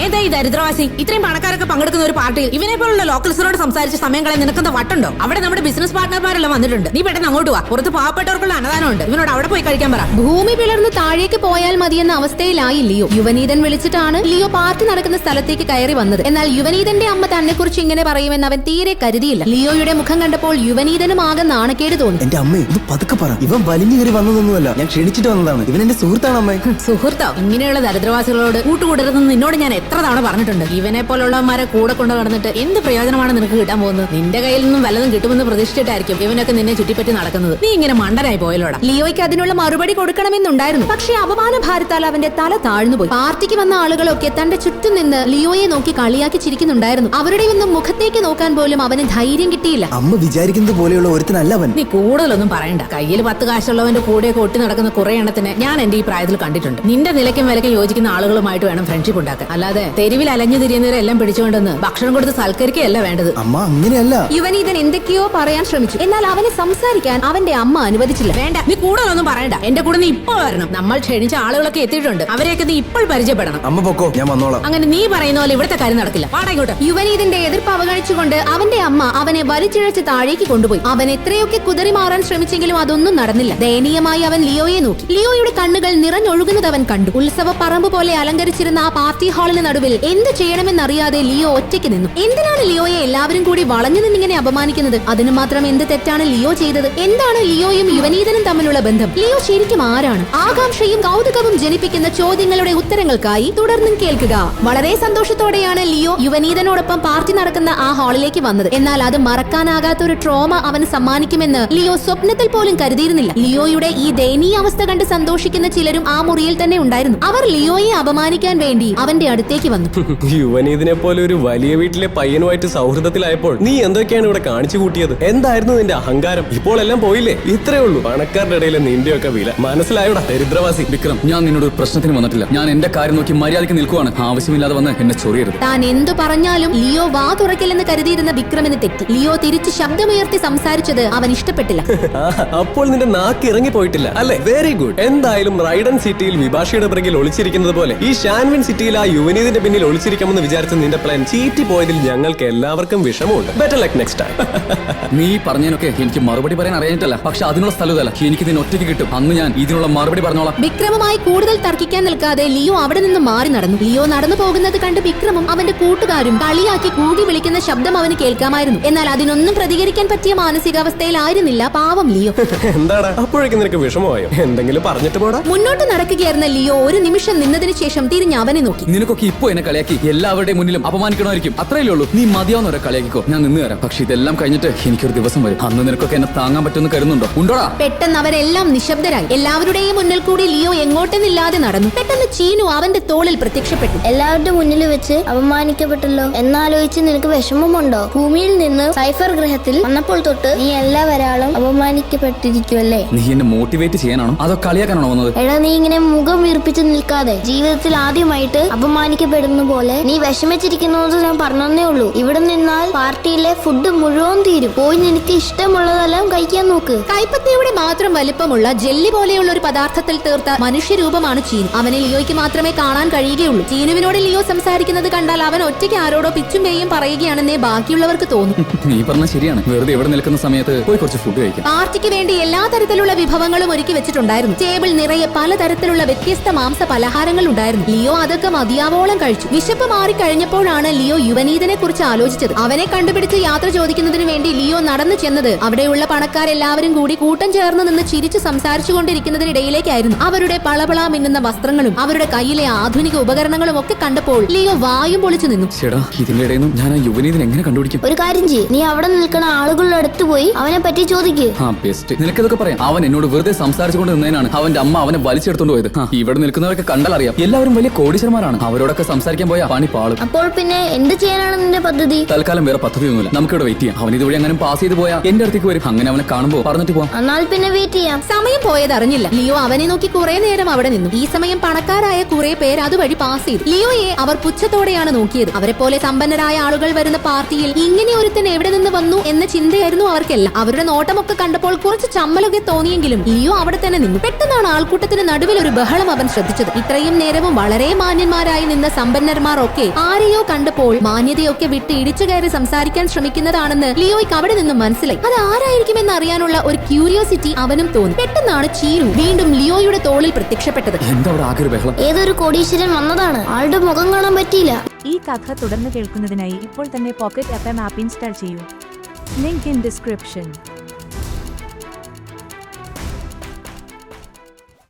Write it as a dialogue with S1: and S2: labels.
S1: ഏതാ ഈ ദരിദ്രവാസി? ഇത്രയും പണക്കാരൊക്കെ പങ്കെടുക്കുന്ന ഒരു പാർട്ടിയിൽ ഇവനെ പോലുള്ള ലോക്കൽസിനോട് സംസാരിച്ച് സമയം കളയാൻ നിനക്കെന്താ വട്ടുണ്ടോ? അവിടെ നമ്മുടെ ബിസിനസ് പാർട്ട്ണർമാരെല്ലാം വന്നിട്ടുണ്ട്. നീ പെട്ടെന്ന് അങ്ങോട്ട് വാ. പുറത്ത് പാവപ്പെട്ടവർക്കുള്ള അന്നദാനമുണ്ട്. ഇവനോട് അവിടെ പോയി കഴിക്കാൻ പറ.
S2: ഭൂമി പിളർന്ന് താഴേക്ക് പോയാൽ മതിയെന്ന അവസ്ഥയിലായി ലിയോ. യുവനീതൻ വിളിച്ചിട്ടാണ് ലിയോ പാർട്ടി നടക്കുന്ന സ്ഥലത്തേക്ക് കയറി വന്നത്. എന്നാൽ യുവനീതന്റെ അമ്മ തന്നെ കുറിച്ച് ഇങ്ങനെ പറയുമെന്ന് അവൻ തീരെ കരുതിയില്ല. ലിയോയുടെ മുഖം കണ്ടപ്പോൾ യുവനീതനും ആകെ നാണക്കേട് തോന്നി.
S3: എന്റെ അമ്മ ഇത് പതുക്കെ പറ. ഇവൻ വലിഞ്ഞു കയറി വന്നതൊന്നുമല്ല, ഞാൻ ക്ഷണിച്ചിട്ട് വന്നതാണ്. ഇവൻ എന്റെ സുഹൃത്താണ് അമ്മേ.
S1: സുഹൃത്തോ? ഇങ്ങനെയുള്ള ദരിദ്രവാസികളോട് കൂട്ടുകൂടരുതെന്ന് നിന്നോട് ഞാൻ എത്ര തവണ പറഞ്ഞിട്ടുണ്ട്. ഇവനെ പോലുള്ളവന്മാരെ കൂടെ കൊണ്ട് നടന്നിട്ട് എന്ത് പ്രയോജനമാണ് നിനക്ക് കിട്ടാൻ പോകുന്നത്? നിന്റെ കയ്യിൽ നിന്നും വല്ലതും കിട്ടുമെന്ന് പ്രതീക്ഷിച്ചിട്ടായിരിക്കും ഇവനൊക്കെ നിന്നെ ചുറ്റിപ്പറ്റി നടക്കുന്നത്. നീ ഇങ്ങനെ മണ്ടനായി പോയല്ലോടാ.
S2: ലിയോയ്ക്ക് അതിനുള്ള മറുപടി കൊടുക്കണമെന്നുണ്ടായിരുന്നു. പക്ഷേ അപമാന ഭാരത്താൽ അവന്റെ തല താഴ്ന്നുപോയി. പാർട്ടിക്ക് വന്ന ആളുകളൊക്കെ തന്റെ ചുറ്റും നിന്ന് ലിയോയെ നോക്കി കളിയാക്കി ചിരിക്കുന്നുണ്ടായിരുന്നു. അവരുടെ ഒന്നും മുഖത്തേക്ക് നോക്കാൻ പോലും അവന് ധൈര്യം കിട്ടിയില്ല.
S3: അമ്മ വിചാരിക്കുന്നത് പോലെയുള്ള ഒരുത്തനല്ല അവൻ.
S1: നീ കൂടുതലൊന്നും പറയണ്ട. കയ്യിൽ 10 കാശുള്ളവന്റെ കൂടെയൊക്കെ ഒട്ടി നടക്കുന്ന കുറെ എണ്ണത്തിന് ഞാൻ എന്റെ ഈ പ്രായത്തിൽ കണ്ടിട്ടുണ്ട്. നിന്റെ നിലയ്ക്കും വിലയ്ക്കും യോജിക്കുന്ന ആളുകളുമായിട്ട് വേണം ഫ്രണ്ട്ഷിപ്പ് ഉണ്ടാക്കാൻ. അല്ലാതെ തെരുവിൽ അലഞ്ഞു തിരിയുന്നവരെല്ലാം പിടിച്ചുകൊണ്ടെന്ന് ഭക്ഷണം കൊടുത്ത് സൽക്കരിക്കുകയല്ല വേണ്ടത്.
S3: അമ്മ അങ്ങനെയല്ല.
S2: യുവനീതൻ എന്തൊക്കെയോ പറയാൻ ശ്രമിച്ചു. എന്നാൽ അവനെ സംസാരിക്കാൻ അവന്റെ അമ്മ അനുവദിച്ചില്ല.
S1: വേണ്ട, നീ കൂടുതലൊന്നും പറയണ്ട. എന്റെ കൂടെ നീ ഇപ്പോൾ വരണം. നമ്മൾ ക്ഷണിച്ച ആളുകളൊക്കെ എത്തിയിട്ടുണ്ട്. അവരെയൊക്കെ നീ ഇപ്പോൾ പരിചയപ്പെടണം.
S3: അമ്മ പൊക്കോ, ഞാൻ വന്നോളാം.
S1: അങ്ങനെ നീ പറയുന്ന പോലെ ഇവിടുത്തെ കാര്യം നടക്കില്ല. പാടായിക്കോട്ടെ.
S2: യുവനീതന്റെ എതിർപ്പ് അവഗണിച്ചുകൊണ്ട് അവന്റെ അമ്മ അവനെ വലിച്ചിഴച്ച് താഴേക്ക് കൊണ്ടുപോയി. അവൻ എത്രയൊക്കെ കുതറി മാറാൻ ശ്രമിച്ചെങ്കിലും അതൊന്നും നടന്നില്ല. ദയനീയമായി അവൻ ലിയോയെ നോക്കി. ലിയോയുടെ കണ്ണുകൾ നിറഞ്ഞൊഴുകുന്നത് അവൻ കണ്ടു. ഉത്സവ പറമ്പ് പോലെ അലങ്കരിച്ചിരുന്ന ആ പാർട്ടി ഹാളിന് നടുവിൽ എന്ത് ചെയ്യണമെന്നറിയാതെ ലിയോ ഒറ്റയ്ക്ക് നിന്നു. എന്തിനാണ് ലിയോയെ എല്ലാവരും കൂടി വളഞ്ഞു നിന്നിങ്ങനെ അപമാനിക്കുന്നത്? അതിന് മാത്രം എന്ത് തെറ്റാണ് ലിയോ ചെയ്തത്? എന്താണ് ലിയോയും യുവനീതനും തമ്മിലുള്ള ബന്ധം? ലിയോ ശരിക്കും ആരാണ്? ആകാംക്ഷയും കൗതുകവും ജനിപ്പിക്കുന്ന ചോദ്യങ്ങളുടെ ഉത്തരങ്ങൾക്കായി തുടർന്നും കേൾക്കുക. വളരെ സന്തോഷത്തോടെയാണ് ലിയോ യുവനീതനോടൊപ്പം പാർട്ടി നടക്കുന്ന ആ ഹാളിലേക്ക് വന്നത്. എന്നാൽ അത് മറക്കാനാകാത്ത ഒരു ട്രോമ അവന് സമ്മാനിക്കുമെന്ന് ലിയോ സ്വപ്നത്തിൽ പോലും കരുതിയിരുന്നില്ല. ലിയോയുടെ ഈ ദയനീയ അവസ്ഥ കണ്ട് സന്തോഷിക്കുന്ന ചിലരും ആ മുറിയിൽ തന്നെ ഉണ്ടായിരുന്നു. അവർ ലിയോയെ അപമാനിക്കാൻ വേണ്ടി അവന്റെ അടുത്തേക്ക് വന്നു.
S4: യുവനീതിനെ പോലെ ഒരു വലിയ വീട്ടിലെ പയ്യനുമായിട്ട് സൗഹൃദത്തിലായപ്പോൾ നീ എന്തൊക്കെയാണ് ഇവിടെ കാണിച്ചു കൂട്ടിയത്? എന്തായിരുന്നു നിന്റെ അഹങ്കാരം? ഇപ്പോൾ എല്ലാം പോയില്ലേ? ഇത്രേ ഉള്ളൂ പണക്കാരുടെ ഇടയിലെ നിന്റെയൊക്കെ വില. മനസ്സിലായോടാ ദരിദ്രവാസി?
S5: വിക്രം, ഞാൻ നിന്നോട് ഒരു പ്രശ്നത്തിന് വന്നിട്ടില്ല. ഞാൻ എന്റെ കാര്യം നോക്കി മര്യാദയ്ക്ക് നിൽക്കുവാണ്. ആവശ്യമില്ലാതെ വന്ന് എന്നെ ചൊറിയരുത്.
S2: താൻ എന്തു പറഞ്ഞാലും ലിയോ വാ തുറക്കില്ലെന്ന് കരുതിയിരുന്ന വിക്രമിന് തെറ്റി. ലിയോ തിരിച്ച് ശബ്ദമുയർത്തി സംസാരിച്ചത് അവൻ ഇഷ്ടപ്പെട്ടില്ല.
S4: അപ്പോൾ നിന്റെ നാക്ക് ഇറങ്ങി പോയിട്ടില്ല അല്ലേ? Very good. എന്തായാലും റൈഡൻ സിറ്റിയിൽ വിഭാഷയുടെ പിറകിൽ ഒളിച്ചിരിക്കുന്നത് പോലെ ഈ ഷാൻവിൻ സിറ്റിയിൽ ആ യുവനീതിന്റെ പിന്നിൽ ഒളിച്ചിരിക്കാമെന്ന് വിചാരിച്ച നിന്റെ പ്ലാൻ ചീറ്റി പോയതിൽ ഞങ്ങൾക്ക് എല്ലാവർക്കും വിഷമമുണ്ട്. Better luck next time.
S5: നീ പറഞ്ഞതിനൊക്കെ എനിക്ക് മറുപടി പറയാൻ അറിയാനിട്ടല്ല, പക്ഷെ അതിനുള്ള സ്ഥലത്തല്ല. എനിക്ക് ഇതിന് ഒറ്റയ്ക്ക് കിട്ടും. അന്ന് ഞാൻ ഇതിനുള്ള മറുപടി പറഞ്ഞോളാം.
S2: വിക്രമുമായി കൂടുതൽ തർക്കിക്കാൻ നിൽക്കാതെ ലിയോ അവിടെ നിന്ന് മാറി നടന്നു. ലിയോ നടന്നു പോകുന്നത് കണ്ട് വിക്രമും അവന്റെ കൂട്ടുകാരും കളിയാക്കി കൂടി വിളിക്കുന്ന ശബ്ദം അവന് കേൾക്കാമായിരുന്നു. എന്നാൽ അതിനൊന്നും പ്രതികരിക്കാൻ പറ്റിയ മാനസികാവസ്ഥയിലായിരുന്നില്ല പാവം ലിയോ.
S4: എന്താടാ അപ്പോഴേക്കും നിനക്ക് വിഷമമായോ? എന്തെങ്കിലും പറഞ്ഞിട്ട് പോടാ.
S2: മുന്നോട്ട് നടക്കുകയായിരുന്ന ലിയോ ഒരു നിമിഷം നിന്നതിന് ശേഷം തിരിഞ്ഞ് അവനെ നോക്കി.
S5: നിനക്കൊക്കെ ഇപ്പോ എന്നെ കളിയാക്കി എല്ലാവരുടെയും മുന്നിലും അപമാനിക്കണമായിരിക്കും. അത്രയല്ലേ ഉള്ളൂ. നീ മതിയാവുന്നവരെ കളിയാക്കിക്കോ, ഞാൻ നിന്ന് തരാം. പക്ഷെ ഇതെല്ലാം കഴിഞ്ഞിട്ട് എനിക്കൊരു ദിവസം വരും. അന്ന് നിനക്കൊക്കെ എന്നെ താങ്ങാൻ പറ്റുമെന്ന് കരുതുന്നുണ്ടോ? ഉണ്ടോടാ?
S2: പെട്ടെന്ന് അവരെല്ലാം നിശബ്ദരായി. എല്ലാവരുടെയും മുന്നിൽ കൂടി ലിയോ എങ്ങോട്ടെന്നില്ലാതെ നടന്നു. പെട്ടെന്ന് ചീനു അവന്റെ തോളിൽ പ്രത്യക്ഷപ്പെട്ടു.
S6: എല്ലാവരുടെ മുന്നിൽ വെച്ച് അപമാനിക്കപ്പെട്ടല്ലോ എന്നാലോചിച്ച് നിനക്ക് വിഷമമുണ്ടോ? ഭൂമിയിൽ നിന്ന് സൈഫർ ഗ്രഹത്തിൽ വന്നപ്പോൾ തൊട്ട് നീ എല്ലാവരാളും അപമാനിക്കപ്പെട്ടിരിക്കുമല്ലേ?
S5: നീ എന്നെ മോട്ടിവേറ്റ് ചെയ്യാനാണോ അതോ കളിയാക്കാനാണോ വന്നത്?
S6: എടാ, നീ ഇങ്ങനെ മുഖം വീർപ്പിച്ച് നിൽക്കാതെ ജീവിതത്തിൽ ആദ്യമായിട്ട് അപമാനിക്കപ്പെടുന്ന പോലെ നീ വിഷമിച്ചിരിക്കുന്നത് ഞാൻ പറഞ്ഞേ ഉള്ളൂ. ഇവിടെ നിന്നാൽ പാർട്ടിയിലെ ഫുഡ് മുഴുവൻ തീരും. പോയി നിനക്ക് ഇഷ്ടമുള്ളതെല്ലാം കഴിക്കാൻ നോക്ക്.
S2: കൈപ്പത്തിയുടെ മാത്രം വലിപ്പമുള്ള ജെല്ലി പോലെയുള്ള ഒരു പദാർത്ഥത്തിൽ തീർത്ത മനുഷ്യരൂപമാണ് ചീനു. അവനെ ലിയോയ്ക്ക് മാത്രമേ കാണാൻ കഴിയുകയുള്ളൂ. ചീനുവിനോട് ലിയോ സംസാരിക്കുന്നത് കണ്ടാൽ അവൻ ഒറ്റയ്ക്ക് ആരോടോ പിച്ചും പേയും പറയുകയാണെന്നേ ബാക്കിയുള്ളവർക്ക് തോന്നും.
S5: നീ പറഞ്ഞ ശരിയാണ്. വെറുതെ ഇവിടെ നിൽക്കുന്ന സമയത്ത് പോയി കുറച്ച് ഫുഡ് കഴിക്കാം.
S2: പാർട്ടിക്ക് വേണ്ടി എല്ലാ തരത്തിലുള്ള വിഭവങ്ങളും ഒരുക്കി വെച്ചിട്ടുണ്ടായിരുന്നു. ടേബിൾ നിറയെ പലതരത്തിലുള്ള വ്യത്യസ്ത മാംസ പലഹാരങ്ങൾ ഉണ്ടായിരുന്നു. ലിയോ അതൊക്കെ മതിയാവോളം കഴിച്ചു. വിശപ്പ് മാറിക്കഴിഞ്ഞപ്പോഴാണ് ലിയോ യുവനീതനെ കുറിച്ച് ആലോചിച്ചത്. അവനെ കണ്ടുപിടിച്ച് യാത്ര ചോദിക്കുന്നതിന് വേണ്ടി ലിയോ നടന്നു ചെന്നത് അവിടെയുള്ള പണക്കാരെല്ലാവരും കൂടി കൂട്ടം ചേർന്ന് നിന്ന് ചിരിച്ചു സംസാരിച്ചു കൊണ്ടിരിക്കുന്നതിനിടയിലേക്കായിരുന്നു. അവരുടെ പളപള മിന്നുന്ന വസ്ത്രങ്ങളും അവരുടെ കയ്യിലെ ആധുനിക ഉപകരണങ്ങളും ഒക്കെ കണ്ടപ്പോൾ ലിയോ വായും പൊളിച്ചു നിന്നു.
S5: ചേടാ, ഇതിന്റെ ഇടയിൽ നിന്നും ഞാൻ ആ യുവനീതിനെ എങ്ങനെ കണ്ടുപിടിക്കും?
S6: ഒരു കാര്യം ചെയ്യ്, നീ അവിടെ നിൽക്കുന്ന ആളുകളുടെ അടുത്ത് പോയി അവനെ പറ്റി ചോദിക്ക്.
S5: ബെസ്റ്റ്. നിനക്കിതൊക്കെ പറയാം. അവൻ എന്നോട് വെറുതെ സംസാരിച്ചുകൊണ്ട് നിന്നതിനാണ് അവന്റെ അമ്മ അവനെ വലിച്ചെടുത്തോണ്ട് പോയത്. ഇവിടെ നിൽക്കുന്നവരൊക്കെ കണ്ടാൽ അറിയാം, എല്ലാവരും വലിയ കോടീശ്വരന്മാരാണ്. അവരോടൊക്കെ സംസാരിക്കാൻ പോയാ പണി പാളും.
S6: അപ്പോൾ പിന്നെ എന്ത് ചെയ്യാനാണ് നിന്റെ പദ്ധതി?
S5: തൽക്കാലം വേറെ പദ്ധതിയൊന്നുമില്ല. നമുക്കിവിടെ വെയിറ്റ് ചെയ്യാം. അവൻ ഇതുവഴി അങ്ങനെ പാസ് ചെയ്ത് പോയാൽ എന്റെ അടുത്തേക്ക് വരും. അങ്ങനെ അവനെ കാണുമ്പോ പറഞ്ഞിട്ട് പോവാം.
S6: എന്നാൽ പിന്നെ വെയിറ്റ് ചെയ്യാം.
S2: സമയം പോയത് അറിഞ്ഞില്ല. ലിയോ അവനെ നോക്കി കുറെ നേരം അവിടെ നിന്നു. ഈ സമയം പണക്കാരായ കുറെ പേര് അതുവഴി പാസ് ചെയ്തു. ലിയോയെ അവർ പുച്ഛത്തോടെയാണ് നോക്കിയത്. അവരെ പോലെ സമ്പന്നരായ ആളുകൾ വരുന്ന പാർട്ടിയിൽ ഇങ്ങനെ ഒരുത്തൻ എവിടെ നിന്ന് വന്നു എന്ന ചിന്തയായിരുന്നു അവർക്കെല്ലാം. അവരുടെ നോട്ടമൊക്കെ കണ്ടപ്പോൾ കുറച്ച് ചമ്മലൊക്കെ തോന്നിയെങ്കിലും ലിയോ അവിടെ തന്നെ നിന്നു. പെട്ടെന്നാണ് ആൾക്കൂട്ടത്തിന് നടുവിൽ ഒരു ബഹളം അവൻ ശ്രദ്ധിച്ചത്. ഇത്രയും നേരവും വളരെ മാന്യന്മാരായി നിന്ന സമ്പന്നന്മാർ ഒക്കെ ആരെയോ കണ്ടപ്പോൾ മാന്യതയൊക്കെ വിട്ട് ഇടിച്ചു കയറി സംസാരിക്കാൻ ശ്രമിക്കുന്നതാണെന്ന് ലിയോയ്ക്ക് അവിടെ നിന്നും മനസ്സിലായി. അത് ആരായിരിക്കുമെന്ന് അറിയാനുള്ള ഒരു ക്യൂരിയോസിറ്റി അവനും തോന്നി. പെട്ടെന്നാണ് ചീരു വീണ്ടും ലിയോയുടെ തോളിൽ പ്രത്യക്ഷപ്പെട്ടത്.
S5: എന്താ അവിടെ ആകെ ഒരു ബഹളം?
S6: ഏതൊരു കോടീശ്വരൻ വന്നതാണ്. ആളുടെ മുഖം കാണാൻ പറ്റിയില്ല.
S7: ഈ കഥ തുടർന്ന് കേൾക്കുന്നതിനായി ഇപ്പോൾ തന്നെ പോക്കറ്റ് FM ആപ്പ് ഇൻസ്റ്റാൾ ചെയ്യൂ. Link in description.